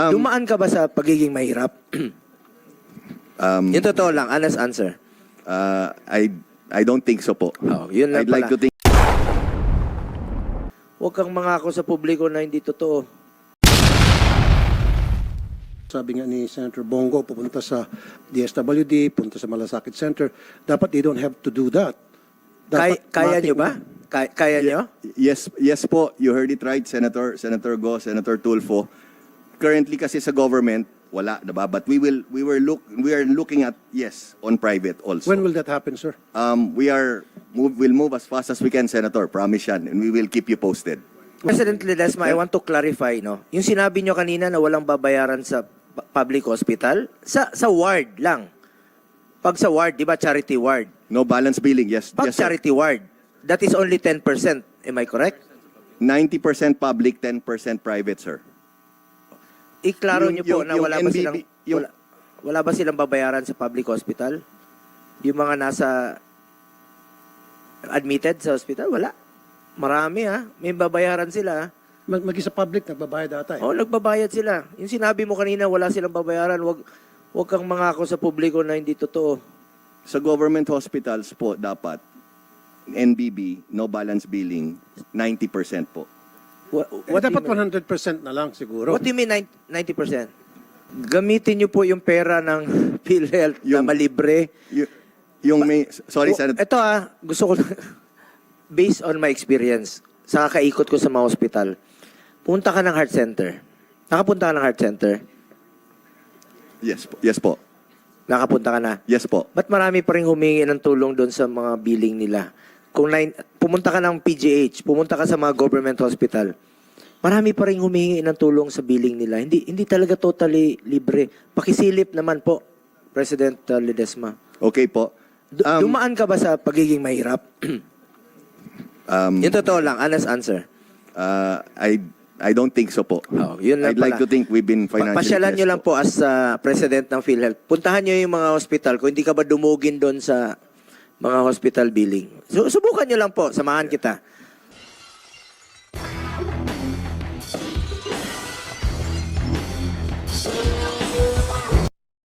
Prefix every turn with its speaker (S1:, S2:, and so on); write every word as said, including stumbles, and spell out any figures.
S1: Um,
S2: Dumaan ka ba sa pagiging mahirap?
S1: um,
S2: Yung totoo lang, honest answer.
S1: uh, I I don't think so po.
S2: Oh, yun lang
S1: I'd like
S2: pala.
S1: to think
S2: Huwag kang mangako sa publiko na hindi totoo.
S3: Sabi nga ni Senator Bongo, pupunta sa D S W D, punta sa Malasakit Center. Dapat they don't have to do that.
S2: Kay,
S3: Dapat
S2: kaya
S3: matik-
S2: nyo ba? Kaya, kaya nyo?
S1: yes, yes po, you heard it right, Senator Senator Go, Senator Tulfo. Currently kasi sa government wala, diba? But we will we were look we are looking at yes on private also.
S3: When will that happen, sir?
S1: Um, we are move will move as fast as we can, Senator. Promise yan, and we will keep you posted.
S2: President Ledesma, I want to clarify, no? Yung sinabi nyo kanina na walang babayaran sa pu- public hospital, sa sa ward lang. Pag sa ward, di ba, charity ward?
S1: No balance billing, yes,
S2: Pag
S1: yes sir.
S2: charity ward, that is only ten percent. Am I correct?
S1: ninety percent public, ten percent private, sir.
S2: Iklaro
S1: Yung-
S2: nyo po
S1: yung-
S2: na
S1: yung
S2: wala ba
S1: N B B
S2: silang
S1: yung-
S2: wala, wala ba silang babayaran sa public hospital? Yung mga nasa admitted sa hospital, wala. Marami ha, may babayaran sila.
S3: Mag Maging sa public, nagbabayad ata eh.
S2: Oh, nagbabayad sila. Yung sinabi mo kanina, wala silang babayaran, wag wag kang mangako sa publiko na hindi totoo.
S1: Sa government hospitals po dapat N B B, no balance billing, ninety percent po.
S2: What,
S3: Eh,
S2: what,
S3: dapat
S2: do you mean,
S3: one hundred percent na lang siguro.
S2: what do you mean ninety percent? Gamitin niyo po yung pera ng PhilHealth na
S1: Yung-
S2: malibre.
S1: Y- yung may, sorry,
S2: O,
S1: Senator.
S2: Ito ah, gusto ko, based on my experience, sa kakaikot ko sa mga hospital, punta ka ng heart center. Nakapunta ka ng heart center?
S1: Yes po. Yes po.
S2: Nakapunta ka na?
S1: Yes po.
S2: Ba't marami pa rin humingi ng tulong doon sa mga billing nila? Kung nine, pumunta ka ng P G H, pumunta ka sa mga government hospital, marami pa rin humingi ng tulong sa billing nila. Hindi hindi talaga totally libre. Pakisilip naman po, President uh, Ledesma.
S1: Okay po.
S2: Du-
S1: Um,
S2: dumaan ka ba sa pagiging mahirap?
S1: Um,
S2: Yung totoo lang, honest answer.
S1: uh, I I don't think so po.
S2: Oh, yun lang
S1: I'd like
S2: pala.
S1: to think we've been
S2: Pa-
S1: financially
S2: Pasyalan nyo
S1: blessed
S2: lang po as uh, President ng PhilHealth. Puntahan nyo yung mga hospital. Kung hindi ka ba dumugin doon sa mga hospital billing. So, subukan nyo lang po. Samahan kita.